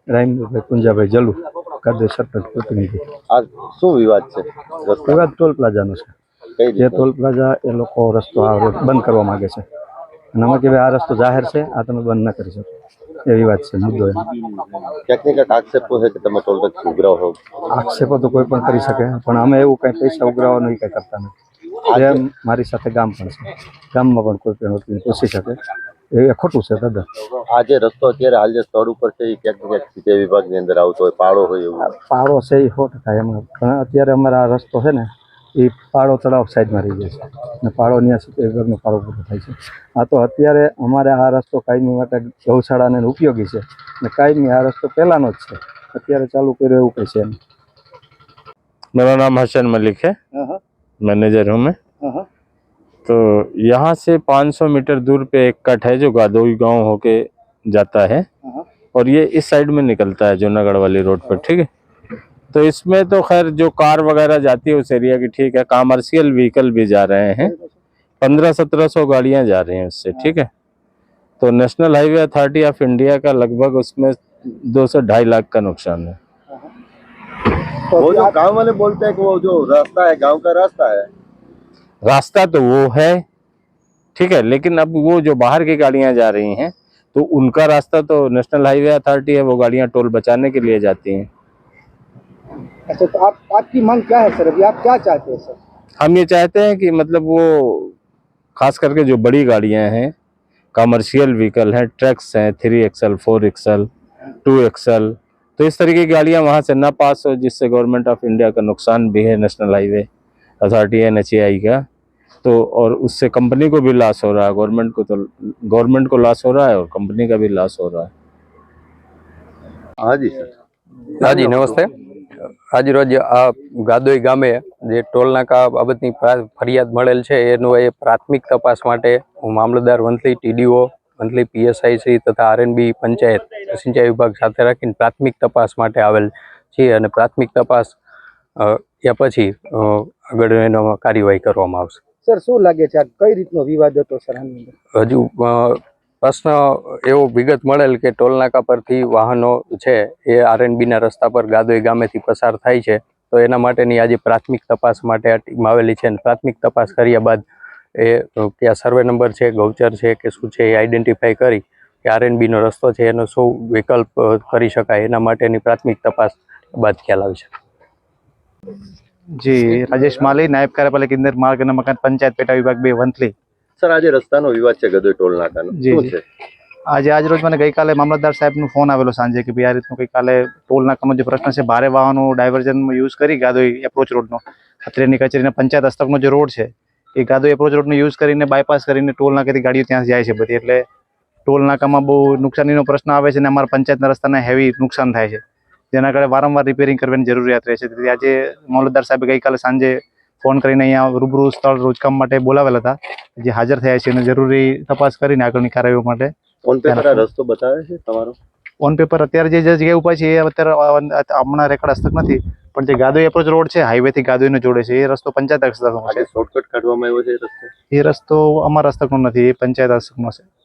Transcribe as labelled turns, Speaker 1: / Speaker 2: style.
Speaker 1: રામભાઈ પુંજાભાઈ જલુ કાદર સરપંચ પ્રતિનિધિ।
Speaker 2: આ શું વિવાદ છે?
Speaker 1: વિવાદ ટોલ પ્લાઝાનો છે। જે ટોલ પ્લાઝા એ લોકો રસ્તો આ રોડ બંધ કરવા માંગે છે અને અમે કે આ રસ્તો જાહેર છે, આ તમે બંધ ન કરી શકો, એ વિવાદ છે મુદ્દો।
Speaker 2: ક્યાંક ને ક્યાંક આક્ષેપો છે કે તમે ટોલ ટેક્સ ઉઘરાવો છો।
Speaker 1: આક્ષેપો તો કોઈ પણ કરી શકે, પણ અમે એવું કંઈ પૈસા ઉઘરાવવાનું કંઈ કરતા નથી। જે મારી સાથે ગામ પણ છે, ગામમાં પણ કોઈ પણ વ્યક્તિને પૂછી શકે, એ ખોટું છે દાદા।
Speaker 2: આ જે રસ્તો અત્યારે હાલ જે સ્થળ ઉપર છે એ ક્યાંક ને ક્યાંક સિંચાઈ વિભાગની અંદર આવતો હોય, પાડો હોય એવું
Speaker 1: પાડો છે એ 100% એમાં, પણ અત્યારે અમારા આ રસ્તો છે ને એ પાડો તળાવ સાઈડમાં રહી જાય છે ને પાડો ત્યાં સિંચાઈ વિભાગનો પાડો પૂરો થાય છે। આ તો અત્યારે અમારે આ રસ્તો કાયમી માટે ગૌશાળાને ઉપયોગી છે ને કાયમી આ રસ્તો પહેલાંનો જ છે, અત્યારે ચાલુ કર્યો એવું કંઈ છે નહીં।
Speaker 3: मेरा नाम हसन मलिक है, मैनेजर हूँ मैं। तो यहाँ से 500 मीटर दूर पे एक कट है जो गादोई गांव होके जाता है और ये इस साइड में निकलता है जूनागढ़ वाली रोड पर, ठीक है। तो इसमें तो खैर जो कार वगैरह जाती है उस एरिया की ठीक है, कॉमर्शियल व्हीकल भी जा रहे हैं, 1500-1700 गाड़ियाँ जा रही हैं उससे, ठीक है। तो national highway authority of India का लगभग उसमें 2 से 2.5 लाख का नुकसान है।
Speaker 2: वो जो गांव वाले बोलते हैं कि वो जो रास्ता है गांव का रास्ता है,
Speaker 3: रास्ता तो वो है, ठीक है, लेकिन अब वो जो बाहर की गाड़ियां जा रही हैं तो उनका रास्ता तो नेशनल हाईवे अथॉरिटी है, वो गाड़ियां टोल बचाने के लिए जाती हैं।
Speaker 4: अच्छा, तो आपकी मांग क्या है सर? अभी आप क्या चाहते हैं सर?
Speaker 3: हम ये चाहते हैं कि मतलब वो खास करके जो बड़ी गाड़ियां हैं, कमर्शियल व्हीकल हैं, ट्रक्स हैं, 3 एक्सल 4 एक्सल 2 एक्सल, तो इस तरीके की गाड़ियां वहां से ना पास हो, जिससे गवर्नमेंट ऑफ इंडिया का नुकसान भी है, नेशनल हाईवे अथॉरिटी NHAI का, तो और उससे कंपनी को भी लॉस हो रहा है, गवर्नमेंट को लॉस हो रहा है और कंपनी का भी लॉस हो रहा है।
Speaker 2: हाँ जी सर।
Speaker 5: हाँ जी नमस्ते। आज रोज आ गादोई गामे जे टोल नाका बाबतनी फरियाद मळेल छे एनो ए प्राथमिक तपास माटे हूँ मामलतदार वंथली TDO वंथली PSI श्री तथा RNB पंचायत सिंचाई विभाग साथे राखीने प्राथमिक तपास माटे आवेल छे अने प्राथमिक तपास या पछी आगळ एनो कार्यवाही करवामां आवशे।
Speaker 4: सर शुं लागे छे आ कई रीतनो विवाद हतो सर?
Speaker 5: हजू प्रश्न एवो विगत मळेल के टोल नाका परथी वाहनो छे ए RNB ना रस्ता पर गादोई गामेथी पसार थाय छे, तो एना माटेनी आज प्राथमिक तपास माटे आ टीम आवेली छे। प्राथमिक तपास कर्या बाद ए क्या सर्वे नंबर छे, गौचर छे के शुं छे ए आइडेंटिफाई करी के RNB नो रस्तो छे एनो शुं विकल्प करी शकाय, एना माटेनी प्राथमिक तपास बाद ख्याल आवशे।
Speaker 6: जी, राजेश माली, नायब कार्यपालक इंजीनियर मार्ग અને મકાન પંચાયત પેટા વિભાગ 2 વંથલી।
Speaker 2: સર આજે રસ્તાનો વિવાદ છે ગદોઈ ટોલ નાકાનો, શું છે?
Speaker 6: આજ રોજ મને ગઈકાલે મામલતદાર સાહેબનો ફોન આવેલો સાંજે કે ભાઈ આ રીતનું ગઈકાલે ટોલ નાકાનો જે પ્રશ્ન છે, ભારે વાહનો ડાયવર્ઝન યુઝ કરી ગાદોઈ એપ્રોચ રોડનો, અત્રેની કચેરીના પંચાયત હસ્તકનો જે રોડ છે એ ગાદોઈ એપ્રોચ રોડનો યુઝ કરીને બાયપાસ કરીને ટોલ નાકાથી ગાડીઓ ત્યાં જાય છે બધી, એટલે ટોલ નાકામાં બહુ નુકસાનીનો પ્રશ્ન આવે છે અને અમારા પંચાયતના રસ્તાને હેવી નુકસાન થાય છે, જેના કારણે વારંવાર રિપેરિંગ કરવાની જરૂરિયાત રહે છે। તેથી આજે મામલતદાર સાહેબે ગઈકાલે સાંજે ફોન કરીને અહીંયા રૂબરૂ સ્થળ રોજકામ માટે બોલાવેલા હતા, જે હાજર થયા છે અને જરૂરી તપાસ કરીને આગળની કાર્યવાહી માટે
Speaker 2: ઓન પેપર આ રસ્તો બતાવે છે તમારો?
Speaker 6: ઓન પેપર અત્યારે જે જગ્યાએ ઉભા છે એ અત્યારે હમણાં રેકોર્ડ હસ્તક નથી, પણ જે ગાદોઈ એપ્રોચ રોડ છે હાઈવેથી ગાદોઈને જોડે છે એ રસ્તો પંચાયત હસ્તકનો છે।
Speaker 2: શોર્ટકટ કાઢવામાં આવ્યો છે એ રસ્તો?
Speaker 6: એ રસ્તો અમારા હસ્તકનો નથી, એ પંચાયત હસ્તકનો છે।